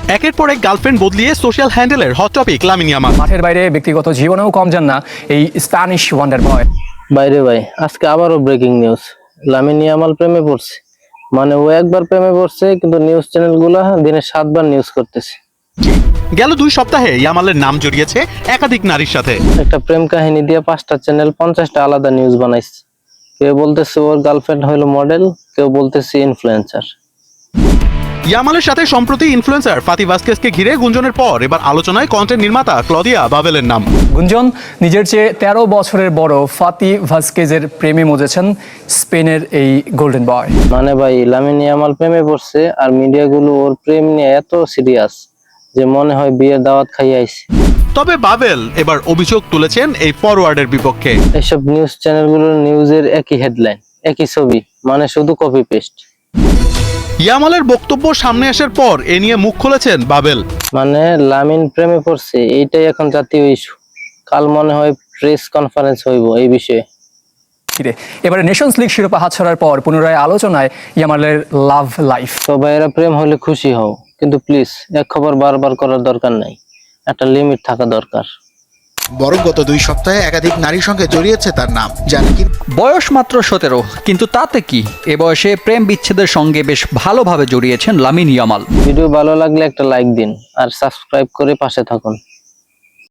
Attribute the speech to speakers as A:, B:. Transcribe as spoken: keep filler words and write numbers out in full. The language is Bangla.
A: একের পর এক গার্লফ্রেন্ড বদলিয়ে সোশ্যাল হ্যান্ডেলের হট টপিক লামিন ইয়ামাল।
B: মাঠের বাইরে ব্যক্তিগত জীবনেও কম যান না এই স্প্যানিশ ওয়ান্ডার বয়।
C: বাইরে ভাই, আজকে আবারও ব্রেকিং নিউজ। লামিন ইয়ামাল প্রেমে পড়ছে। মানে ও একবার প্রেমে পড়ছে, কিন্তু নিউজ চ্যানেলগুলো দিনে সাতবার নিউজ করতেছে।
A: গেল দুই সপ্তাহে ইয়ামালের নাম জড়িয়েছে একাধিক নারীর সাথে।
C: একটা প্রেম কাহিনী দিয়ে পাঁচটা চ্যানেল পঞ্চাশটা আলাদা নিউজ বানাইছে। কেউ বলতেছে ওর গার্লফ্রেন্ড হলো মডেল, কেউ বলতেছে ইনফ্লুয়েন্সার।
A: ইয়ামালের সাথে সম্প্রতি ইনফ্লুয়েন্সার ফাতি ভাস্কেজকে ঘিরে গুঞ্জনের পর এবার আলোচনায় কন্টেন্ট নির্মাতা ক্লদিয়া বাবেলের নাম।
B: গুঞ্জন, নিজের চেয়ে তেরো বছরের বড় ফাতি ভাস্কেজের প্রেমে মজেছেন স্পেনের এই গোল্ডেন বয়।
C: মানে ভাই, লামিন ইয়ামাল প্রেমে পড়ছে আর মিডিয়াগুলো ওর প্রেম নিয়ে এত সিরিয়াস যে মনে হয় বিয়ের দাওয়াত খাইয়ে আইছে।
A: তবে বাবেল এবার অভিযোগ তুলেছেন এই ফরওয়ার্ডের বিপক্ষে।
C: এইসব নিউজ চ্যানেলগুলোর নিউজের একই হেডলাইন, একই ছবি, মানে শুধু কপি পেস্ট।
A: ইয়ামালের বক্তব্য সামনে আসার পর এ নিয়ে মুখ খুলেছেন বাবেল।
C: মানে লামিন প্রেমে পড়ছে, এইটাই এখন জাতীয় ইস্যু। কাল মনে হয় প্রেস কনফারেন্স হইব এই বিষয়ে।
B: এবারে নেশনস লিগ শিরোপা হাতছাড়ার পর পুনরায় আলোচনায় ইয়ামালের লাভ লাইফ।
C: তো ভাইয়েরা, প্রেম হলে খুশি হও, কিন্তু প্লিজ এক খবর বারবার করার দরকার নাই, একটা লিমিট থাকা দরকার।
D: বরং গত দুই সপ্তাহে একাধিক নারীর সঙ্গে জড়িয়েছে তার নাম, যা নাকি
E: বয়স মাত্র সতেরো, কিন্তু তাতে কি, এ বয়সে প্রেম বিচ্ছেদের সঙ্গে বেশ ভালোভাবে জড়িয়েছেন লামিন ইয়ামাল।
C: ভিডিও ভালো লাগলে একটা লাইক দিন আর সাবস্ক্রাইব করে পাশে থাকুন।